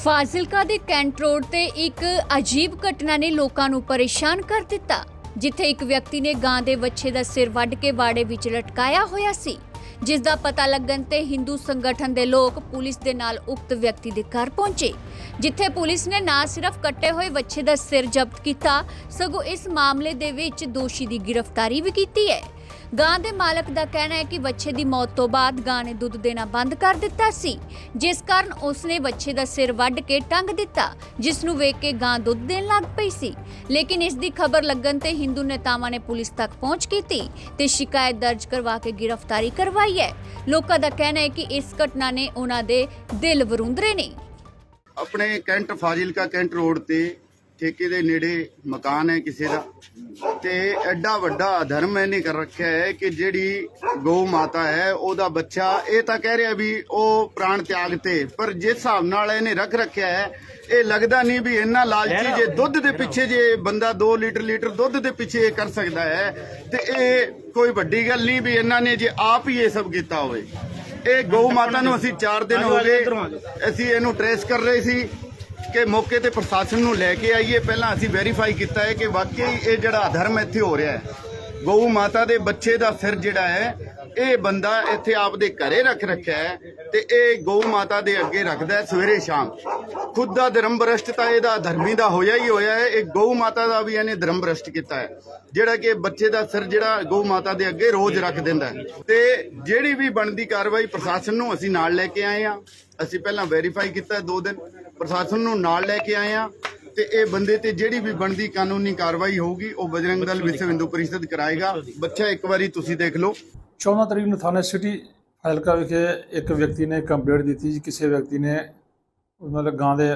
ਫਾਜ਼ਿਲਕਾ ਦੇ cantt road ਤੇ ਇੱਕ ਅਜੀਬ ਘਟਨਾ ਨੇ ਲੋਕਾਂ ਨੂੰ ਪਰੇਸ਼ਾਨ ਕਰ ਦਿੱਤਾ, ਜਿੱਥੇ ਇੱਕ ਵਿਅਕਤੀ ਨੇ ਗਾਂ ਦੇ ਵੱਛੇ ਦਾ ਸਿਰ ਵੱਢ ਕੇ ਬਾੜੇ ਵਿੱਚ ਲਟਕਾਇਆ ਹੋਇਆ ਸੀ, ਜਿਸ ਦਾ ਪਤਾ ਲੱਗਣ ਤੇ ਹਿੰਦੂ ਸੰਗਠਨ ਦੇ ਲੋਕ ਪੁਲਿਸ ਦੇ ਨਾਲ ਉਕਤ ਵਿਅਕਤੀ ਦੇ ਘਰ ਪਹੁੰਚੇ, ਜਿੱਥੇ ਪੁਲਿਸ ਨੇ ਨਾ ਸਿਰਫ ਕੱਟੇ ਹੋਏ ਵੱਛੇ ਦਾ ਸਿਰ ਜ਼ਬਤ ਕੀਤਾ, ਸਗੋਂ ਇਸ ਮਾਮਲੇ ਦੇ ਵਿੱਚ ਦੋਸ਼ੀ ਦੀ ਗ੍ਰਿਫਤਾਰੀ ਵੀ ਕੀਤੀ ਹੈ। ਗਾਂ ਦੇ ਮਾਲਕ ਦਾ ਕਹਿਣਾ ਹੈ ਕਿ ਵੱਛੇ ਦੀ ਮੌਤ ਤੋਂ ਬਾਅਦ ਗਾਂ ਨੇ ਦੁੱਧ ਦੇਣਾ ਬੰਦ ਕਰ ਦਿੱਤਾ ਸੀ, ਜਿਸ ਕਾਰਨ ਉਸਨੇ ਵੱਛੇ ਦਾ ਸਿਰ ਵੱਢ ਕੇ ਟੰਗ ਦਿੱਤਾ, ਜਿਸ ਨੂੰ ਵੇਖ ਕੇ ਗਾਂ ਦੁੱਧ ਦੇਣ ਲੱਗ ਪਈ ਸੀ। ਲੇਕਿਨ ਇਸ ਦੀ ਖਬਰ ਲੱਗਣ ਤੇ ਹਿੰਦੂ ਨੇਤਾਵਾਂ ਨੇ ਪੁਲਿਸ ਤੱਕ ਪਹੁੰਚ ਕੀਤੀ ਤੇ ਸ਼ਿਕਾਇਤ ਦਰਜ ਕਰਵਾ ਕੇ ਗ੍ਰਿਫਤਾਰੀ ਕਰਵਾਈ ਹੈ। ਲੋਕਾਂ ਦਾ ਕਹਿਣਾ ਹੈ ਕਿ ਇਸ ਘਟਨਾ ਨੇ ਉਹਨਾਂ ਦੇ ਦਿਲ ਵਰੁੰਦਰੇ ਨੇ। ਆਪਣੇ ਕੈਂਟ ਫਾਜ਼ਿਲਕਾ ਕੈਂਟ ਰੋਡ ਤੇ ਠੇਕੇ ਦੇ ਨੇੜੇ ਮਕਾਨ ਹੈ ਕਿਸੇ ਦਾ, ਤੇ ਐਡਾ ਵੱਡਾ ਅਧਰਮ ਇਹਨੇ ਕਰ ਰੱਖਿਆ ਹੈ ਕਿ ਜਿਹੜੀ ਗਊ ਮਾਤਾ ਹੈ ਉਹਦਾ ਬੱਚਾ, ਇਹ ਤਾਂ ਕਹਿ ਰਿਹਾ ਵੀ ਉਹ ਪ੍ਰਾਣ ਤਿਆਗ ਤੇ, ਪਰ ਜਿਸ ਹਿਸਾਬ ਨਾਲ ਇਹਨੇ ਰੱਖਿਆ ਹੈ ਇਹ ਲੱਗਦਾ ਨਹੀਂ ਵੀ ਇੰਨਾ ਲਾਲਚੀ ਜੇ ਦੁੱਧ ਦੇ ਪਿੱਛੇ ਜੇ ਬੰਦਾ 2 ਲੀਟਰ ਦੁੱਧ ਦੇ ਪਿੱਛੇ ਕਰ ਸਕਦਾ ਹੈ ਤੇ ਇਹ ਕੋਈ ਵੱਡੀ ਗੱਲ ਨਹੀਂ ਵੀ ਇਹਨਾਂ ਨੇ ਜੇ ਆਪ ਹੀ ਇਹ ਸਭ ਕੀਤਾ ਹੋਵੇ। ਇਹ ਗਊ ਮਾਤਾ ਨੂੰ ਅਸੀਂ 4 ਦਿਨ ਹੋ ਗਏ ਅਸੀਂ ਇਹਨੂੰ ਟ੍ਰੇਸ ਕਰ ਰਹੇ ਸੀ ਕਿ ਮੌਕੇ ਤੇ ਪ੍ਰਸ਼ਾਸਨ ਨੂੰ ਲੈ ਕੇ ਆਈਏ। ਪਹਿਲਾਂ ਅਸੀਂ ਵੈਰੀਫਾਈ ਕੀਤਾ ਹੈ ਕਿ ਵਾਕਈ ਇਹ ਜਿਹੜਾ ਅਧਰਮ ਇੱਥੇ ਹੋ ਰਿਹਾ ਹੈ, ਗਊ ਮਾਤਾ ਦੇ ਬੱਚੇ ਦਾ ਸਿਰ ਜਿਹੜਾ ਹੈ ਇਹ ਬੰਦਾ ਇੱਥੇ ਆਪਦੇ ਘਰੇ ਰੱਖਿਆ ਹੈ ਤੇ ਇਹ ਗਊ ਮਾਤਾ ਦੇ ਅੱਗੇ ਰੱਖਦਾ ਹੈ ਸਵੇਰੇ ਸ਼ਾਮ। ਖੁਦ ਦਾ ਧਰਮ ਭ੍ਰਸ਼ਟ ਤਾਂ ਇਹਦਾ ਧਰਮੀ ਦਾ ਹੋਇਆ ਹੀ ਹੋਇਆ ਹੈ, ਇਹ ਗਊ ਮਾਤਾ ਦਾ ਵੀ ਇਹਨੇ ਧਰਮ ਭ੍ਰਸ਼ਟ ਕੀਤਾ ਹੈ, ਜਿਹੜਾ ਕਿ ਬੱਚੇ ਦਾ ਸਿਰ ਜਿਹੜਾ ਗਊ ਮਾਤਾ ਦੇ ਅੱਗੇ ਰੋਜ਼ ਰੱਖ ਦਿੰਦਾ ਹੈ। ਤੇ ਜਿਹੜੀ ਵੀ ਬਣਦੀ ਕਾਰਵਾਈ ਪ੍ਰਸ਼ਾਸਨ ਨੂੰ ਅਸੀਂ ਨਾਲ ਲੈ ਕੇ ਆਏ ਹਾਂ। ਅਸੀਂ ਪਹਿਲਾਂ ਵੈਰੀਫਾਈ ਕੀਤਾ 2 ਦਿਨ, ਪ੍ਰਸ਼ਾਸਨ ਨੂੰ ਨਾਲ ਲੈ ਕੇ ਆਏ ਹਾਂ ਤੇ ਇਹ ਬੰਦੇ ਤੇ ਜਿਹੜੀ ਵੀ ਬਣਦੀ ਕਾਨੂੰਨੀ ਕਾਰਵਾਈ ਹੋਊਗੀ ਉਹ ਬਜਰੰਗ ਦਲ ਵਿਸ਼ਵ ਹਿੰਦੂ ਪਰਿਸ਼ਦ ਕਰਾਏਗਾ। ਬੱਚਾ ਇੱਕ ਵਾਰੀ ਤੁਸੀਂ ਦੇਖ ਲਓ। 14 ਤਰੀਕ ਨੂੰ ਥਾਣਾ ਸਿਟੀ ਫਾਜ਼ਿਲਕਾ ਵਿਖੇ ਇੱਕ ਵਿਅਕਤੀ ਨੇ ਕੰਪਲੇਂਟ ਦਿੱਤੀ ਜੀ, ਕਿਸੇ ਵਿਅਕਤੀ ਨੇ ਮਤਲਬ ਗਾਂ ਦੇ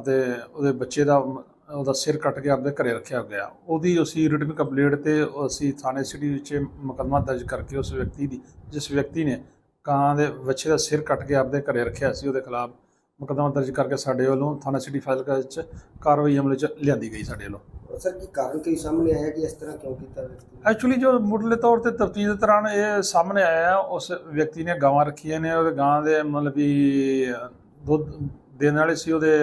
ਉਹਦੇ ਬੱਚੇ ਦਾ ਉਹਦਾ ਸਿਰ ਕੱਟ ਕੇ ਆਪਦੇ ਘਰੇ ਰੱਖਿਆ ਗਿਆ। ਉਹਦੀ ਅਸੀਂ ਰਿਟਨ ਕੰਪਲੇਂਟ ਤੇ ਅਸੀਂ ਥਾਣੇ ਸਿਟੀ ਵਿੱਚ ਮੁਕੱਦਮਾ ਦਰਜ ਕਰਕੇ ਉਸ ਵਿਅਕਤੀ ਦੀ, ਜਿਸ ਵਿਅਕਤੀ ਨੇ ਗਾਂ ਦੇ ਬੱਚੇ ਦਾ ਸਿਰ ਕੱਟ ਕੇ ਆਪਦੇ ਘਰੇ ਰੱਖਿਆ ਸੀ, ਉਹਦੇ ਖਿਲਾਫ ਮੁਕੱਦਮਾ ਦਰਜ ਕਰਕੇ ਸਾਡੇ ਵੱਲੋਂ ਥਾਣਾ ਸਿਟੀ ਫਾਜ਼ਿਲਕਾ ਵਿੱਚ ਕਾਰਵਾਈ ਅਮਲ 'ਚ ਲਿਆਂਦੀ ਗਈ ਸਾਡੇ ਵੱਲੋਂ। सर की कारण कई सामने आया कि इस तरह क्यों किया व्यक्ति? ਐਕਚੁਅਲੀ ਜੋ ਮੁੱਢਲੇ ਤੌਰ ਤੇ ਤਫਤੀਸ਼ ਦੇ ਦੌਰਾਨ ਇਹ ਸਾਹਮਣੇ ਆਇਆ, ਉਸ ਵਿਅਕਤੀ ਨੇ ਗਾਵਾਂ ਰੱਖੀਆਂ ਨੇ, ਉਹਦੇ ਗਾਂ ਦੇ ਮਤਲਬ ਵੀ ਦੁੱਧ ਦੇਣ ਵਾਲੇ ਸੀ, ਉਹਦੇ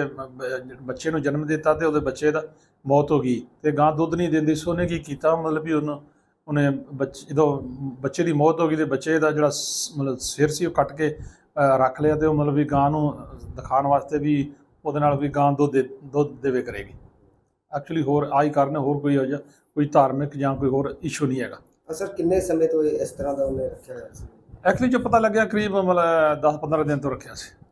ਬੱਚੇ ਨੂੰ ਜਨਮ ਦਿੱਤਾ ਤੇ ਉਹਦੇ ਬੱਚੇ ਦਾ ਮੌਤ ਹੋ ਗਈ ਤੇ ਗਾਂ ਦੁੱਧ ਨਹੀਂ ਦਿੰਦੀ ਸੀ। ਉਹਨੇ ਕੀ ਕੀਤਾ, ਮਤਲਬ ਵੀ ਉਹਨੇ ਜਦੋਂ ਬੱਚੇ ਦੀ ਮੌਤ ਹੋ ਗਈ ਤੇ ਬੱਚੇ ਦਾ ਜਿਹੜਾ ਮਤਲਬ ਸਿਰ ਸੀ ਉਹ ਕੱਟ ਕੇ ਰੱਖ ਲਿਆ ਤੇ ਉਹ ਮਤਲਬ ਵੀ ਗਾਂ ਨੂੰ ਦਿਖਾਉਣ ਵਾਸਤੇ ਵੀ ਉਹਦੇ ਨਾਲ ਵੀ ਗਾਂ ਦੁੱਧ ਦੇਵੇ ਕਰੇਗੀ। ਐਕਚੁਅਲੀ ਹੋਰ ਆਹੀ ਕਾਰਨ, ਹੋਰ ਕੋਈ ਧਾਰਮਿਕ ਜਾਂ ਕੋਈ ਹੋਰ ਇਸ਼ੂ ਨਹੀਂ ਹੈਗਾ। ਸਰ ਕਿੰਨੇ ਸਮੇਂ ਤੋਂ ਇਸ ਤਰ੍ਹਾਂ ਦਾ ਉਹਨੇ ਰੱਖਿਆ ਹੋਇਆ ਸੀ? ਐਕਚੁਅਲੀ ਜੋ ਪਤਾ ਲੱਗਿਆ ਕਰੀਬ ਮਤਲਬ 10-15 ਦਿਨ ਤੋਂ ਰੱਖਿਆ ਸੀ।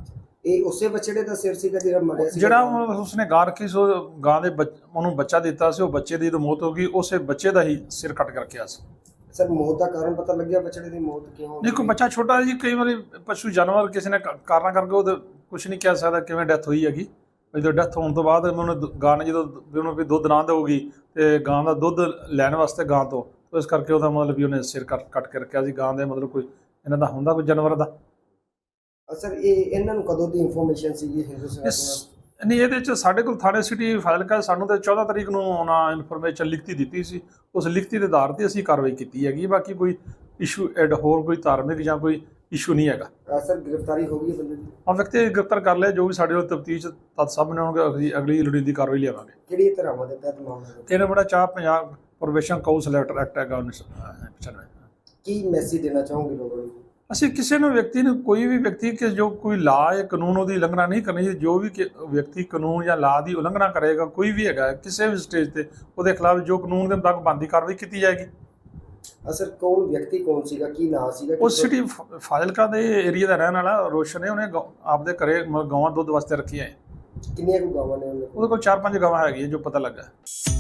ਇਹ ਉਸੇ ਬੱਚੜੇ ਦਾ ਸਿਰ ਸੀਗਾ ਜਿਹੜਾ ਮਰਿਆ ਸੀ? ਜਿਹੜਾ ਉਸਨੇ ਗਾਂ ਰੱਖੀ ਸੀ, ਗਾਂ ਦੇ ਉਹਨੂੰ ਬੱਚਾ ਦਿੱਤਾ ਸੀ, ਉਹ ਬੱਚੇ ਦੀ ਜਦੋਂ ਮੌਤ ਹੋ ਗਈ ਉਸੇ ਬੱਚੇ ਦਾ ਹੀ ਸਿਰ ਕੱਟ ਕੇ ਰੱਖਿਆ ਸੀ। ਸਰ ਮੌਤ ਦਾ ਕਾਰਨ ਪਤਾ ਲੱਗਿਆ ਬੱਚੜੇ ਦੀ ਮੌਤ ਕਿਉਂ? ਨਹੀਂ, ਕੋਈ ਬੱਚਾ ਛੋਟਾ ਜੀ, ਕਈ ਵਾਰੀ ਪਸ਼ੂ ਜਾਨਵਰ ਕਿਸੇ ਨੇ ਕਾਰਨਾਂ ਕਰਕੇ ਉਹ ਕੁਝ ਨਹੀਂ ਕਹਿ ਸਕਦਾ ਕਿਵੇਂ ਡੈਥ ਹੋਈ ਹੈਗੀ। ਜਦੋਂ ਡੈਥ ਹੋਣ ਤੋਂ ਬਾਅਦ ਉਹਨੂੰ ਗਾਂ ਨੇ ਜਦੋਂ ਉਹਨੂੰ ਵੀ ਦੁੱਧ ਨਾ ਦੇਊਗੀ ਤੇ ਗਾਂ ਦਾ ਦੁੱਧ ਲੈਣ ਵਾਸਤੇ ਗਾਂ ਤੋਂ, ਇਸ ਕਰਕੇ ਉਹਦਾ ਮਤਲਬ ਵੀ ਉਹਨੇ ਸਿਰ ਕੱਟ ਕੇ ਰੱਖਿਆ ਸੀ। ਗਾਂ ਦੇ ਮਤਲਬ ਕੋਈ ਇਹਨਾਂ ਦਾ ਹੁੰਦਾ ਕੋਈ ਜਾਨਵਰ ਦਾ। ਸਰ ਇਹਨਾਂ ਨੂੰ ਕਦੋਂ ਦੀ ਇਨਫੋਰਮੇਸ਼ਨ ਸੀਗੀ ਹਿੰਦੂ ਸੰਗਠਨ? ਨਹੀਂ, ਇਹਦੇ 'ਚ ਸਾਡੇ ਕੋਲ ਥਾਣੇ ਸਿਟੀ ਫਾਜ਼ਿਲਕਾ ਸਾਨੂੰ ਤਾਂ 14 ਤਰੀਕ ਨੂੰ ਉਹਨਾਂ ਇਨਫੋਰਮੇਸ਼ਨ ਲਿਖਤੀ ਦਿੱਤੀ ਸੀ, ਉਸ ਲਿਖਤੀ ਦੇ ਆਧਾਰ 'ਤੇ ਅਸੀਂ ਕਾਰਵਾਈ ਕੀਤੀ ਹੈਗੀ। ਬਾਕੀ ਕੋਈ ਇਸ਼ੂ ਹੋਰ ਕੋਈ ਧਾਰਮਿਕ ਜਾਂ ਕੋਈ ਇਸ਼ੂ ਨਹੀਂ ਹੈਗਾ। ਸਰ ਗ੍ਰਿਫਤਾਰੀ ਹੋ ਗਈ ਬੰਦੇ ਦੀ? ਹਾਂ, ਵਿਅਕਤੀ ਗ੍ਰਿਫਤਾਰ ਕਰ ਲਿਆ। ਜੋ ਵੀ ਸਾਡੇ ਵੱਲ ਤਫਤੀਸ਼ ਤਦ ਸਾਹਮਣੇ ਆਉਣਗੇ ਅਗਲੀ ਲੋੜੀਂਦੀ ਕਾਰਵਾਈ ਲਿਆਵਾਂਗੇ। ਕਿਹੜੀ ਧਾਰਾਵਾਂ ਦੇ ਤਹਿਤ ਮਾਮਲਾ? 3/4 ਪੰਜਾਬ ਪ੍ਰੋਬੇਸ਼ਨ ਕਾਉਂਸਲ ਐਕਟ ਹੈਗਾ 1995। ਕੀ ਮੈਸੇਜ ਦੇਣਾ ਚਾਹੋਗੇ ਲੋਕਾਂ ਨੂੰ? ਅਸੀਂ ਕਿਸੇ ਨੂੰ ਵਿਅਕਤੀ ਨੂੰ, ਕੋਈ ਵੀ ਵਿਅਕਤੀ ਕਿ ਜੋ ਕੋਈ ਲਾਅ ਜਾਂ ਕਾਨੂੰਨ ਉਹਦੀ ਉਲੰਘਣਾ ਨਹੀਂ ਕਰਨੀ। ਜੋ ਵੀ ਵਿਅਕਤੀ ਕਾਨੂੰਨ ਜਾਂ ਲਾਅ ਦੀ ਉਲੰਘਣਾ ਕਰੇਗਾ, ਕੋਈ ਵੀ ਹੈਗਾ ਕਿਸੇ ਵੀ ਸਟੇਜ ਤੇ, ਉਹਦੇ ਖਿਲਾਫ ਜੋ ਕਾਨੂੰਨ ਦੇ ਮੁਤਾਬਕ ਬਣਦੀ ਕਾਰਵਾਈ ਕੀਤੀ ਜਾਏਗੀ। ਸਰ ਕੌਣ ਵਿਅਕਤੀ ਕੌਣ ਸੀਗਾ, ਕੀ ਨਾਂ ਸੀਗਾ? ਉਹ ਸਿਟੀ ਫਾਜ਼ਿਲਕਾ ਦੇ ਏਰੀਆ ਦਾ ਰਹਿਣ ਵਾਲਾ ਰੋਸ਼ਨ ਹੈ। ਉਹਨੇ ਆਪਦੇ ਘਰੇ ਗਾਵਾਂ ਦੁੱਧ ਵਾਸਤੇ ਰੱਖੀਆਂ ਹੈ। ਕਿੰਨੀਆਂ ਕੁ ਗਾਵਾਂ ਨੇ ਉਹਦੇ ਕੋਲ 4-5 ਗਾਵਾਂ ਹੈਗੀਆਂ ਜੋ ਪਤਾ ਲੱਗਾ।